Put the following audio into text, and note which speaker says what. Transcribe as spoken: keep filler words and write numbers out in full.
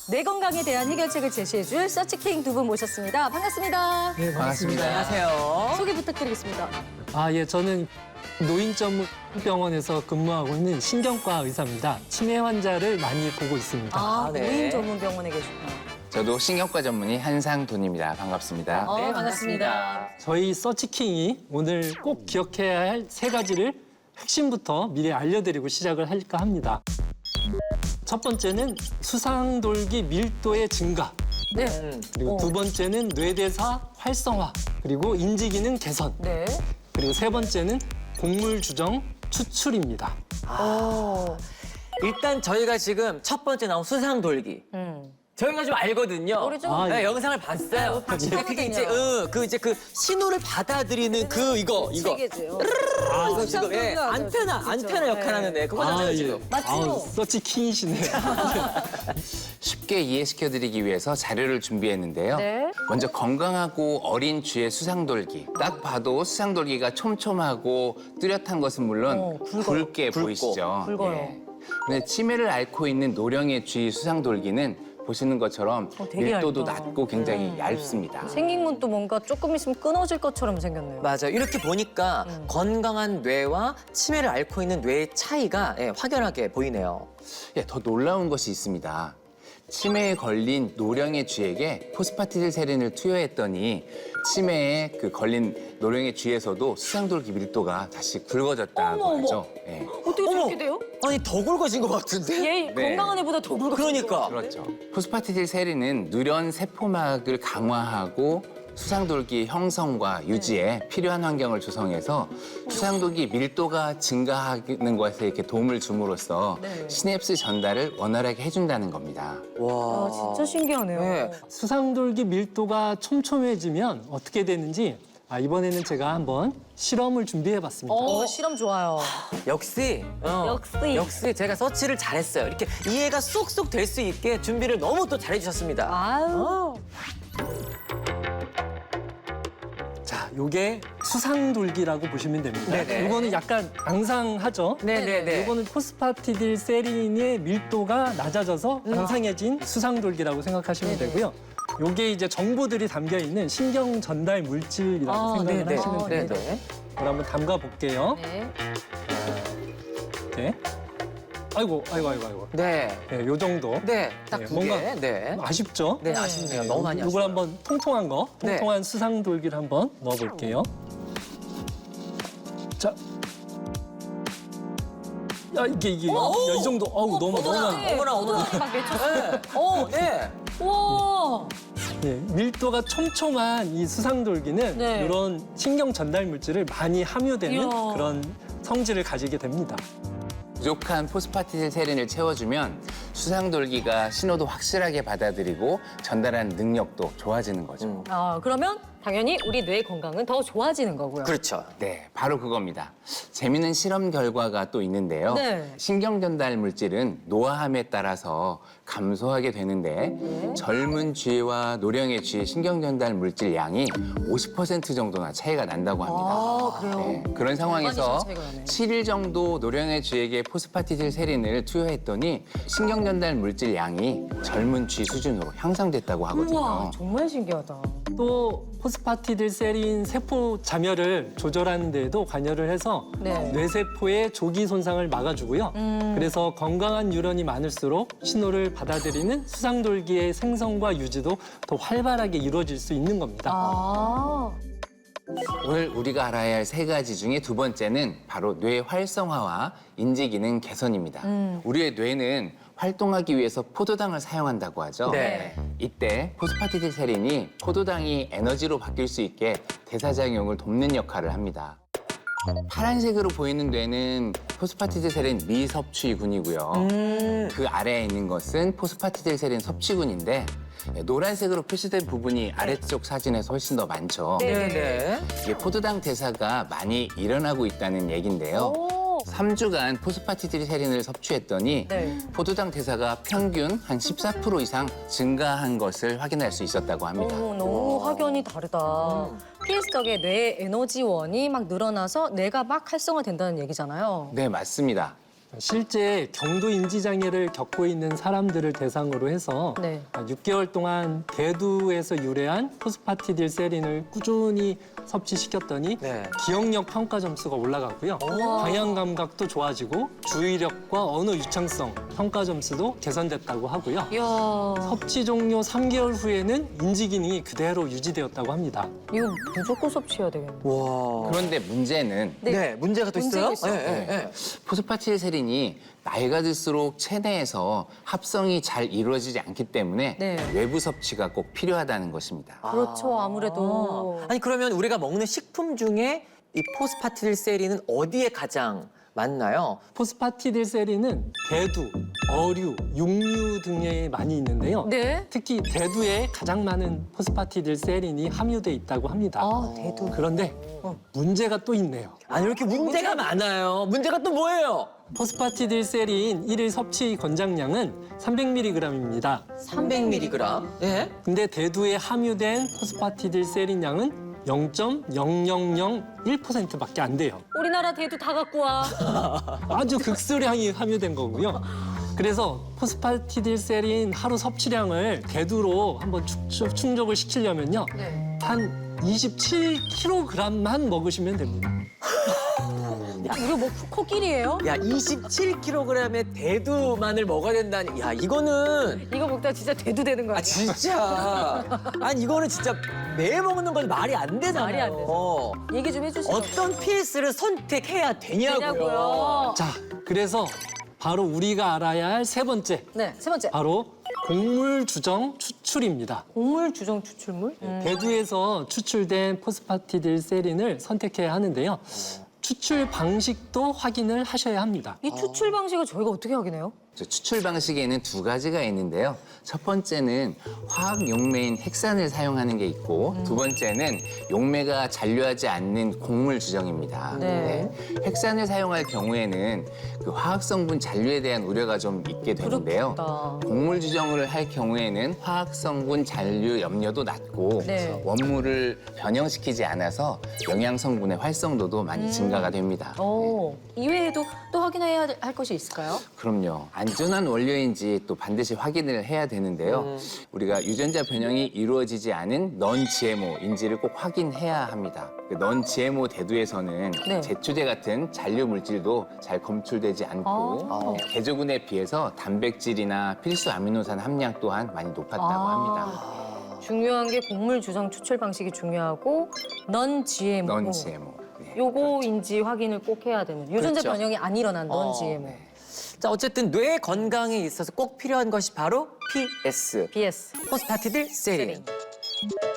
Speaker 1: 뇌 건강에 대한 해결책을 제시해줄 서치킹 두 분 모셨습니다. 반갑습니다.
Speaker 2: 네, 반갑습니다.
Speaker 3: 안녕하세요.
Speaker 1: 소개 부탁드리겠습니다.
Speaker 2: 아, 예, 저는 노인 전문 병원에서 근무하고 있는 신경과 의사입니다. 치매 환자를 많이 보고 있습니다.
Speaker 1: 아,
Speaker 3: 아, 네.
Speaker 1: 노인 전문 병원에 계시구나.
Speaker 4: 저도 신경과 전문의 한상돈입니다. 반갑습니다.
Speaker 1: 어,
Speaker 3: 네,
Speaker 1: 반갑습니다.
Speaker 2: 저희 서치킹이 오늘 꼭 기억해야 할 세 가지를 핵심부터 미리 알려드리고 시작을 할까 합니다. 첫 번째는 수상돌기 밀도의 증가.
Speaker 1: 네.
Speaker 3: 음.
Speaker 2: 그리고
Speaker 1: 어.
Speaker 2: 두 번째는 뇌대사 활성화. 그리고 인지기능 개선.
Speaker 1: 네.
Speaker 2: 그리고 세 번째는 곡물 주정 추출입니다.
Speaker 1: 어.
Speaker 3: 일단 저희가 지금 첫 번째 나온 수상 돌기.
Speaker 1: 음.
Speaker 3: 저희가 좀 알거든요.
Speaker 1: 우리 좀
Speaker 2: 아,
Speaker 3: 네,
Speaker 2: 예.
Speaker 3: 영상을 봤어요.
Speaker 1: 같이
Speaker 3: 근데 그게 이제
Speaker 1: 봤거든요.
Speaker 3: 어, 그 이제 그 신호를 받아들이는 그 이거 이거.
Speaker 1: 세계죠.
Speaker 3: 아, 이거 지금 예,
Speaker 1: 수상 돌기가
Speaker 3: 안테나
Speaker 1: 아주
Speaker 3: 안테나
Speaker 1: 진짜.
Speaker 3: 역할 하는 애 그거잖아요
Speaker 2: 예.
Speaker 3: 지금.
Speaker 1: 맞죠?
Speaker 2: 아우, 서치킹이시네요.
Speaker 4: 쉽게 이해시켜드리기 위해서 자료를 준비했는데요.
Speaker 1: 네.
Speaker 4: 먼저 건강하고 어린 쥐의 수상돌기. 딱 봐도 수상돌기가 촘촘하고 뚜렷한 것은 물론
Speaker 1: 어, 굵어요.
Speaker 4: 굵게
Speaker 3: 굵고,
Speaker 4: 보이시죠.
Speaker 1: 굵어요.
Speaker 4: 예. 근데 치매를 앓고 있는 노령의 쥐 수상돌기는 보시는 것처럼
Speaker 1: 어, 되게
Speaker 4: 밀도도
Speaker 1: 얇다.
Speaker 4: 낮고 굉장히 얇습니다.
Speaker 1: 생긴 것도 뭔가 조금 있으면 끊어질 것처럼 생겼네요.
Speaker 3: 맞아. 이렇게 보니까
Speaker 1: 음.
Speaker 3: 건강한 뇌와 치매를 앓고 있는 뇌의 차이가 예, 확연하게 보이네요.
Speaker 4: 예, 더 놀라운 것이 있습니다. 치매에 걸린 노령의 쥐에게 포스파티딜세린을 투여했더니 치매에 그 걸린 노령의 쥐에서도 수상돌기 밀도가 다시 굵어졌다고
Speaker 1: 어머,
Speaker 4: 하죠. 예.
Speaker 1: 어떻게
Speaker 3: 어머!
Speaker 1: 저렇게 돼요?
Speaker 3: 아니 더 굵어진 것 같은데?
Speaker 1: 얘
Speaker 4: 네.
Speaker 1: 건강한 애보다 더 굵어.
Speaker 3: 그러니까.
Speaker 4: 그렇죠. 포스파티딜세린은 누런 세포막을 강화하고 수상돌기 형성과 유지에 필요한 환경을 조성해서 수상돌기 밀도가 증가하는 것에 이렇게 도움을 줌으로써
Speaker 1: 네.
Speaker 4: 시냅스 전달을 원활하게 해준다는 겁니다.
Speaker 3: 와.
Speaker 1: 아, 진짜 신기하네요.
Speaker 3: 네.
Speaker 2: 수상돌기 밀도가 촘촘해지면 어떻게 되는지 아, 이번에는 제가 한번 실험을 준비해봤습니다.
Speaker 1: 어, 실험 좋아요.
Speaker 3: 역시 어,
Speaker 1: 역시.
Speaker 3: 역시 제가 서치를 잘했어요. 이렇게 이해가 쏙쏙 될 수 있게 준비를 너무 또 잘해주셨습니다.
Speaker 1: 아유.
Speaker 2: 자, 요게 수상돌기라고 보시면 됩니다.
Speaker 3: 네네.
Speaker 2: 이거는 약간 앙상하죠?
Speaker 3: 네네네.
Speaker 2: 이거는 포스파티딜세린의 밀도가 낮아져서 앙상해진 수상돌기라고 생각하시면
Speaker 1: 네네.
Speaker 2: 되고요. 요게 이제 정보들이 담겨 있는 신경 전달 물질이라고
Speaker 3: 아,
Speaker 2: 생각을
Speaker 3: 네네.
Speaker 2: 하시면 됩니다.
Speaker 3: 네네.
Speaker 2: 그럼 한번 담가 볼게요.
Speaker 1: 네.
Speaker 2: 네. 아이고, 아이고, 아이고, 아이고.
Speaker 3: 네.
Speaker 2: 네, 요 정도.
Speaker 3: 네. 딱
Speaker 2: 네,
Speaker 3: 두
Speaker 2: 뭔가
Speaker 3: 개. 네.
Speaker 2: 아쉽죠?
Speaker 3: 네, 아쉽네요. 너무 많이
Speaker 2: 이걸
Speaker 3: 아쉬워요.
Speaker 2: 한번 통통한 거,
Speaker 3: 네.
Speaker 2: 통통한 수상돌기를 한번 넣어볼게요. 자. 야, 이게, 이게. 야, 이 정도. 어우, 너무, 너무 많아.
Speaker 3: 어머나, 어머나.
Speaker 1: 막 맺혔어.
Speaker 3: 네. 어, 네.
Speaker 1: 우와.
Speaker 2: 네, 밀도가 촘촘한 이 수상돌기는
Speaker 1: 네.
Speaker 2: 이런 신경 전달 물질을 많이 함유되는
Speaker 1: 이야.
Speaker 2: 그런 성질을 가지게 됩니다.
Speaker 4: 부족한 포스파티딜세린을 채워주면 수상돌기가 신호도 확실하게 받아들이고 전달하는 능력도 좋아지는 거죠.
Speaker 3: 음.
Speaker 1: 아, 그러면 당연히 우리 뇌 건강은 더 좋아지는 거고요.
Speaker 3: 그렇죠.
Speaker 4: 네, 바로 그겁니다. 재미있는 실험 결과가 또 있는데요.
Speaker 1: 네.
Speaker 4: 신경 전달 물질은 노화함에 따라서 감소하게 되는데
Speaker 1: 네.
Speaker 4: 젊은 쥐와 노령의 쥐의 신경 전달 물질 양이 오십 퍼센트 정도나 차이가 난다고 합니다.
Speaker 1: 아, 그래요?
Speaker 4: 네, 그런 상황에서
Speaker 1: 많이 차이가 나네.
Speaker 4: 칠 일 정도 노령의 쥐에게 포스파티딜세린을 투여했더니 신경 전달 물질 양이 젊은 쥐 수준으로 향상됐다고 하거든요.
Speaker 1: 우와, 정말 신기하다.
Speaker 2: 또 포스파티딜세린 세포 잠열을 조절하는 데에도 관여를 해서
Speaker 1: 네.
Speaker 2: 뇌세포의 조기 손상을 막아주고요.
Speaker 1: 음.
Speaker 2: 그래서 건강한 뉴런이 많을수록 신호를 받아들이는 수상돌기의 생성과 유지도 더 활발하게 이루어질 수 있는 겁니다.
Speaker 1: 아.
Speaker 4: 오늘 우리가 알아야 할 세 가지 중에 두 번째는 바로 뇌 활성화와 인지 기능 개선입니다.
Speaker 1: 음.
Speaker 4: 우리의 뇌는 활동하기 위해서 포도당을 사용한다고 하죠.
Speaker 3: 네.
Speaker 4: 이때 포스파티딜세린이 포도당이 에너지로 바뀔 수 있게 대사작용을 돕는 역할을 합니다. 파란색으로 보이는 뇌는 포스파티딜세린 미섭취군이고요.
Speaker 3: 음.
Speaker 4: 그 아래에 있는 것은 포스파티딜세린 섭취군인데 노란색으로 표시된 부분이 아래쪽 사진에서 훨씬 더 많죠.
Speaker 3: 네, 네.
Speaker 4: 이게 포도당 대사가 많이 일어나고 있다는 얘긴데요.
Speaker 1: 오.
Speaker 4: 삼 주간 포스파티딜세린을 섭취했더니
Speaker 1: 네.
Speaker 4: 포도당 대사가 평균 한 십사 퍼센트 이상 증가한 것을 확인할 수 있었다고 합니다.
Speaker 1: 너무 너무 확연히 다르다. 필수적의 뇌 에너지원이 막 늘어나서 뇌가 막 활성화된다는 얘기잖아요.
Speaker 4: 네, 맞습니다.
Speaker 2: 실제 경도 인지 장애를 겪고 있는 사람들을 대상으로 해서
Speaker 1: 네.
Speaker 2: 육 개월 동안 대두에서 유래한 포스파티딜세린을 꾸준히 섭취시켰더니
Speaker 3: 네.
Speaker 2: 기억력 평가 점수가 올라갔고요. 방향 감각도 좋아지고 주의력과 언어 유창성 평가 점수도 개선됐다고 하고요.
Speaker 1: 이야,
Speaker 2: 섭취 종료 삼 개월 후에는 인지 기능이 그대로 유지되었다고 합니다.
Speaker 1: 이거 무조건 섭취해야 되겠네.
Speaker 3: 와.
Speaker 4: 그런데 문제는
Speaker 1: 네.
Speaker 3: 네, 문제가 또
Speaker 1: 문제가
Speaker 3: 있어요?
Speaker 1: 있어요.
Speaker 3: 네, 네, 네.
Speaker 4: 포스파티딜세린이 나이가 들수록 체내에서 합성이 잘 이루어지지 않기 때문에
Speaker 1: 네.
Speaker 4: 외부 섭취가 꼭 필요하다는 것입니다.
Speaker 1: 그렇죠, 아무래도.
Speaker 3: 아니 그러면 우리가 먹는 식품 중에 이 포스파티딜세린은 어디에 가장 많나요?
Speaker 2: 포스파티딜세린은 대두, 어류, 육류 등에 많이 있는데요.
Speaker 1: 네.
Speaker 2: 특히 대두에 가장 많은 포스파티딜세린이 함유돼 있다고 합니다.
Speaker 1: 아, 대두.
Speaker 2: 그런데 문제가 또 있네요.
Speaker 3: 아니 이렇게 문제가 많아요. 문제가 또 뭐예요?
Speaker 2: 포스파티딜세린 일일 섭취 권장량은 삼백 밀리그램입니다.
Speaker 3: 삼백 밀리그램. 네.
Speaker 2: 근데 대두에 함유된 포스파티딜세린 양은 영 점 영영영일 퍼센트밖에 안 돼요.
Speaker 1: 우리나라 대두 다 갖고 와.
Speaker 2: 아주 극소량이 함유된 거고요. 그래서 포스파티딜세린 하루 섭취량을 대두로 한번 축- 충족을 시키려면요.
Speaker 1: 네.
Speaker 2: 한 이십칠 킬로그램만 먹으시면 됩니다.
Speaker 1: 이거 뭐 코끼리예요?
Speaker 3: 야, 이십칠 킬로그램의 대두만을 먹어야 된다니. 야, 이거는
Speaker 1: 이거 먹다 진짜 대두 되는 거
Speaker 3: 아
Speaker 1: 아니야?
Speaker 3: 진짜. 아니 이거는 진짜 매일 먹는 건 말이 안 되잖아요.
Speaker 1: 말이 안 되죠.
Speaker 3: 어.
Speaker 1: 얘기 좀 해주시죠.
Speaker 3: 어떤 피에스를 선택해야 되냐고요.
Speaker 1: 되냐고요.
Speaker 2: 자, 그래서 바로 우리가 알아야 할 세 번째,
Speaker 1: 네, 세 번째.
Speaker 2: 바로 곡물 주정 추출입니다.
Speaker 1: 곡물 주정 추출물? 음.
Speaker 2: 대두에서 추출된 포스파티딜세린을 선택해야 하는데요. 추출 방식도 확인을 하셔야 합니다.
Speaker 1: 이 추출 방식을 저희가 어떻게 확인해요?
Speaker 4: 저 추출 방식에는 두 가지가 있는데요. 첫 번째는 화학 용매인 핵산을 사용하는 게 있고 두 번째는 용매가 잔류하지 않는 곡물 주정입니다.
Speaker 1: 네.
Speaker 4: 핵산을 사용할 경우에는 그 화학 성분 잔류에 대한 우려가 좀 있게 되는데요.
Speaker 1: 그렇겠다.
Speaker 4: 곡물 주정을 할 경우에는 화학 성분 잔류 염려도 낮고
Speaker 1: 네.
Speaker 4: 원물을 변형시키지 않아서 영양 성분의 활성도도 많이 증가가 됩니다.
Speaker 1: 오, 이외에도 또 확인해야 할 것이 있을까요?
Speaker 4: 그럼요. 안전한 원료인지 또 반드시 확인을 해야 되는데요. 우리가 유전자 변형이 이루어지지 않은 넌 지엠오인지를 꼭 확인해야 합니다. 넌 지엠오 대두에서는
Speaker 1: 네.
Speaker 4: 제초제 같은 잔류 물질도 잘 검출되지 않고
Speaker 1: 아.
Speaker 4: 개조군에 비해서 단백질이나 필수 아미노산 함량 또한 많이 높았다고
Speaker 1: 아.
Speaker 4: 합니다.
Speaker 1: 중요한 게 곡물 주정 추출 방식이 중요하고 넌 지엠오.
Speaker 4: 넌 지엠오. 네.
Speaker 1: 요거인지 확인을 꼭 해야 되는. 유전자
Speaker 3: 그렇죠.
Speaker 1: 변형이 안 일어난 넌
Speaker 3: 어,
Speaker 1: 지엠오.
Speaker 3: 자, 어쨌든 뇌 건강에 있어서 꼭 필요한 것이 바로 피에스.
Speaker 1: 비에스.
Speaker 3: 포스파티딜세린.
Speaker 1: 세린.